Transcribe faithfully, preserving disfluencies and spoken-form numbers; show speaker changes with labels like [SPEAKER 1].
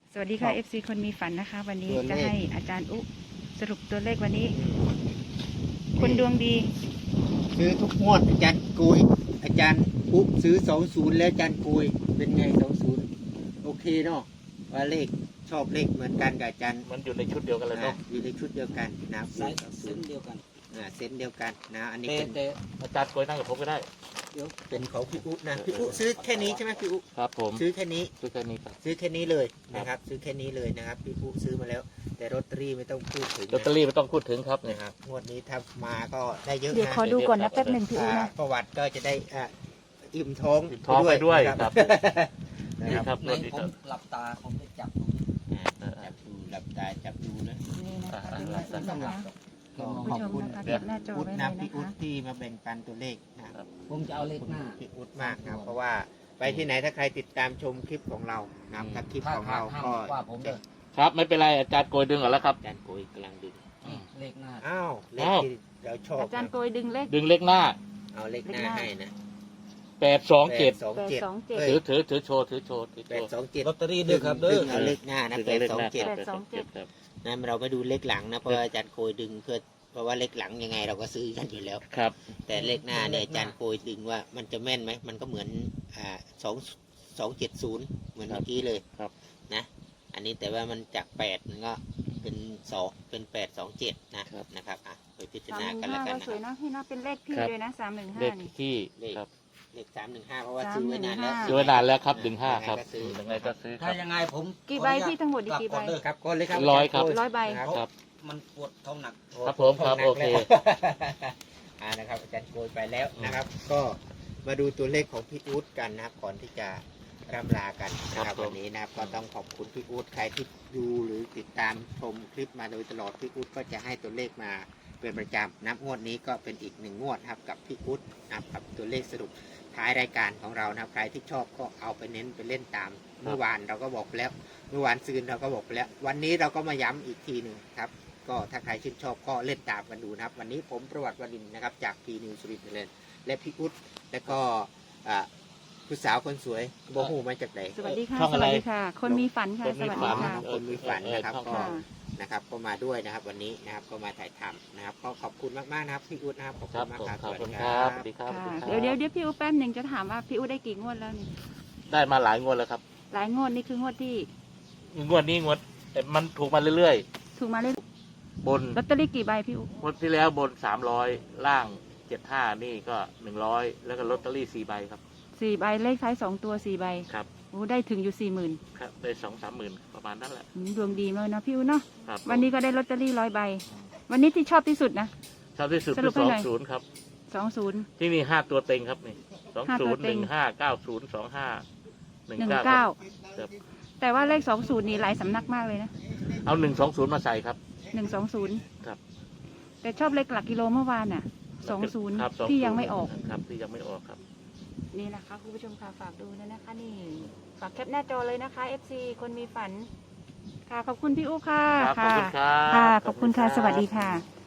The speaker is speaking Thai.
[SPEAKER 1] สวัสดีค่ะ เอฟ ซี คนมีฝันนะคะ วันนี้จะให้อาจารย์อุสรุปตัวเลขวันนี้คนดวงดี
[SPEAKER 2] ซื้อทุกงวดอาจารย์กุยอาจารย์อุซื้อสองศูนย์แล้วอาจารย์กุยเป็นไงสองศูนย์โอเคเนาะว่าเลขชอบเลขเหมือนกันกับอาจารย์
[SPEAKER 3] มันอยู่ในชุดเดียวกันเลยเนาะ
[SPEAKER 2] อยู่ในชุดเดียวกันนะ
[SPEAKER 4] เส้นเดียวกัน
[SPEAKER 2] อ่าเส้นเดียวกันนะอันนี้เป็น
[SPEAKER 3] อาจารย์โกยนั่งกับผมก็ได้
[SPEAKER 2] เดี๋ยวเป็นของพี่อุนะพี่อุซื้อแค่นี้ใช่ไหมพี่อุ
[SPEAKER 3] ครับผม
[SPEAKER 2] ซื้อแค่นี้
[SPEAKER 3] ซื้อแค่นี้ครับ
[SPEAKER 2] ซื้อแค่นี้เลยนะครับซื้อแค่นี้เลยนะครับพี่อุซื้อมาแล้วแต่ลอตเตอรี่ไม่ต้องพูดถึง
[SPEAKER 3] ลอตเตอรี่ไม่ต้องพูดถึงครับ
[SPEAKER 2] นะ
[SPEAKER 3] ค
[SPEAKER 2] รับงวดนี้ถ้ามาก็ได้เยอะนะ
[SPEAKER 1] เดี๋ยวขอดูก่อนนะแป๊บหนึ่งพี่อุนะ
[SPEAKER 2] ประวัติก็จะได้อ่าอิ่มท้อง
[SPEAKER 3] ท้องไปด้วยครับ
[SPEAKER 2] นี่ครับ
[SPEAKER 4] ในผมหลับตาผมจะจับดู
[SPEAKER 2] จับดูหลับตาจับดูนะ
[SPEAKER 1] นี่นะคะเป็นลักษณะนะคะ
[SPEAKER 2] ขอบคุณ
[SPEAKER 1] เก็บหน้าจอ
[SPEAKER 2] อุด
[SPEAKER 1] ไว้เล
[SPEAKER 2] นะ
[SPEAKER 1] ย
[SPEAKER 2] พี่
[SPEAKER 1] นะ
[SPEAKER 2] อุด
[SPEAKER 1] คะ
[SPEAKER 2] ที่มาแบ่งปันตัวเลขนะครับ
[SPEAKER 4] ผมจะเอาเลขหน้า
[SPEAKER 2] พี่อุดมากนะเพราะว่าไปที่ไหนถ้าใครติดตามชมคลิปของเรานะครับถ้าคลิปของเราก็
[SPEAKER 3] ครับไม่เป็นไรอาจารย์โกยดึงก่อนแล้วครับ
[SPEAKER 2] อาจารย์โกยกำลังดึง
[SPEAKER 4] เลขหน้า
[SPEAKER 2] อ้าวเลขที่เราชอบ
[SPEAKER 1] อาจารย์โกยดึงเลข
[SPEAKER 3] ดึงเลขหน้า
[SPEAKER 2] เอาเลขหน้าให้นะ
[SPEAKER 3] แปดสองเจ็ดถือถือถือโชว์ถือโชว์
[SPEAKER 2] แปดสองเจ็ด
[SPEAKER 4] ลอตเตอรี่ด้วยครับเด้อ
[SPEAKER 2] เอาเลขหน้านะแปดสองเจ็ด
[SPEAKER 3] ครับ
[SPEAKER 2] นั่นเราไม่ดูเลขหลังนะเพราะอาจารย์โกยดึงเพื่อเพราะว่าเลขหลังยังไงเราก็ซื้อกันอยู่แล้ว
[SPEAKER 3] ครับ
[SPEAKER 2] แต่เลขหน้าเนี่ยอาจารย์โกยดึงว่ามันจะแม่นไหมมันก็เหมือนอ่าสองสองเจ็ดศูนย์เหมือนเมื่อกี้เลย
[SPEAKER 3] ครับ
[SPEAKER 2] นะอันนี้แต่ว่ามันจากแปดมันก็เป็นสองเป็นแปดสองเจ็ดนะนะครับอ่ะไปพิจารณากันแล้วกันนะ
[SPEAKER 1] สวยเนาะให้เนาะเป็นเลขพี่เลยนะสามหนึ่งห้า
[SPEAKER 3] เลขที่
[SPEAKER 2] เลขเลขสามหนึ่งห้าเพราะว่าซื้อไว้นานแล้ว
[SPEAKER 3] ซื้อไว้นานแล้วครับดึงห้าครับยังไงก็ซื้อ
[SPEAKER 4] ถ้ายังไงผม
[SPEAKER 1] กี่ใบพี่ทั้งหมดกี่ใบ
[SPEAKER 2] ครับก้อนเลยครับ
[SPEAKER 3] ร้อยครับ
[SPEAKER 1] ร้อยใบ
[SPEAKER 3] ครับ
[SPEAKER 4] มันปวดท้องหนัก
[SPEAKER 3] ครับผมครับโอเค
[SPEAKER 2] อ่านะครับอาจารย์โกยไปแล้วนะครับก็มาดูตัวเลขของพี่อู๊ดกันนะครับก่อนที่จะร่ำลากันนะครับวันนี้นะครับก็ต้องขอบคุณพี่อู๊ดใครที่ดูหรือติดตามชมคลิปมาโดยตลอดพี่อู๊ดก็จะให้ตัวเลขมาเป็นประจำนับงวดนี้ก็เป็นอีกหนึ่งงวดครับกับพี่อู๊ดนะครับกับตัวเลขสรุปท้ายรายการของเรานะครับใครที่ชอบก็เอาไปเน้นไปเล่นตามเมื่อวานเราก็บอกไปแล้วเมื่อวานซืนเราก็บอกไปแล้ววันนี้เราก็มาย้ำอีกทีหนึ่งครับก็ถ้าใครชื่นชอบก็เล่นตามกันดูนะครับวันนี้ผมประวัติวดินนะครับจากพีนิวสุรินทร์เลยและพี่อุ๊ดและก็ผู้สาวคนสวยโบหูมาจากไหน
[SPEAKER 1] สวัสดีค่ะสวัสดีค่ะคนมีฝันค่ะสวัสดีค่ะ
[SPEAKER 2] คนมีฝันนะครับก็นะครับก็มาด้วยนะครับวันนี้นะครับก็มาถ่ายทำนะครับก็ขอบคุณมากๆนะครับพี่อุ๊ดนะครับขอบคุณมากครับ
[SPEAKER 3] ขอบคุณครับสวัสดีครับ
[SPEAKER 1] เดี๋ยวเดี๋ยวเดี๋ยวพี่อุ๊ดแป๊บหนึ่งจะถามว่าพี่อุ๊ดได้กี่งวดแล้วนี่
[SPEAKER 3] ได้มาหลายงวดแล้วครับ
[SPEAKER 1] หลายงวดนี่คืองวดที่
[SPEAKER 3] งวดนี้งวดแต่มันถูกมาเรื่อย
[SPEAKER 1] ๆถูกมาเรื่อย
[SPEAKER 3] บน
[SPEAKER 1] ลอตเตอรี่กี่ใบพี่อุ๊ด
[SPEAKER 3] งวดที่แล้วบนสามร้อยล่างเจ็ดห้านี่ก็หนึ่งร้อยแล้วก็ลอตเตอรี่สี่ใบครับ
[SPEAKER 1] สี่ใบเลขท้ายสองตัวสี่ใบ
[SPEAKER 3] ครับ
[SPEAKER 1] โอ้ได้ถึงอยู่สี่หมื่น
[SPEAKER 3] ครับได้สองสามหมื่นประมาณนั้นแหละ
[SPEAKER 1] ดวงดีมากนะพี่อุ๊ดเนาะวันนี้ก็ได้ลอตเตอรี่ร้อยใบวันนี้ที่ชอบที่สุดนะ
[SPEAKER 3] ชอบที่สุดคือสองศูนย์ครับ
[SPEAKER 1] สองศูนย์
[SPEAKER 3] ที่นี่ห้าตัวเต็งครับนี่สองศูนย์หนึ่งห้าเก้าศูนย์สองห้าหนึ่งเก้า
[SPEAKER 1] แต่ว่าเลขสองศูนย์นี่หลายสำนักมากเลยนะ
[SPEAKER 3] เอาหนึ่งสองศูนย์มาใส่ครับ
[SPEAKER 1] หนึ่งสองศูนย์
[SPEAKER 3] ครับ
[SPEAKER 1] แต่ชอบเลขหลักกิโลเมื่อวานน่ะสองศูนย์ที่ยังไม่ออก
[SPEAKER 3] ครับที่ยังไม่ออกครับ
[SPEAKER 1] นี่นะคะคุณผู้ชมค่ะฝากดูนะนะคะนี่ฝากแคปหน้าจอเลยนะคะ เอฟ ซี คนมีฝันค่ะขอบคุณพี่อุ๊ค่ะ
[SPEAKER 3] ขอบคุณครับ
[SPEAKER 1] ค่ะขอบคุณค่ะสวัสดีค่ะ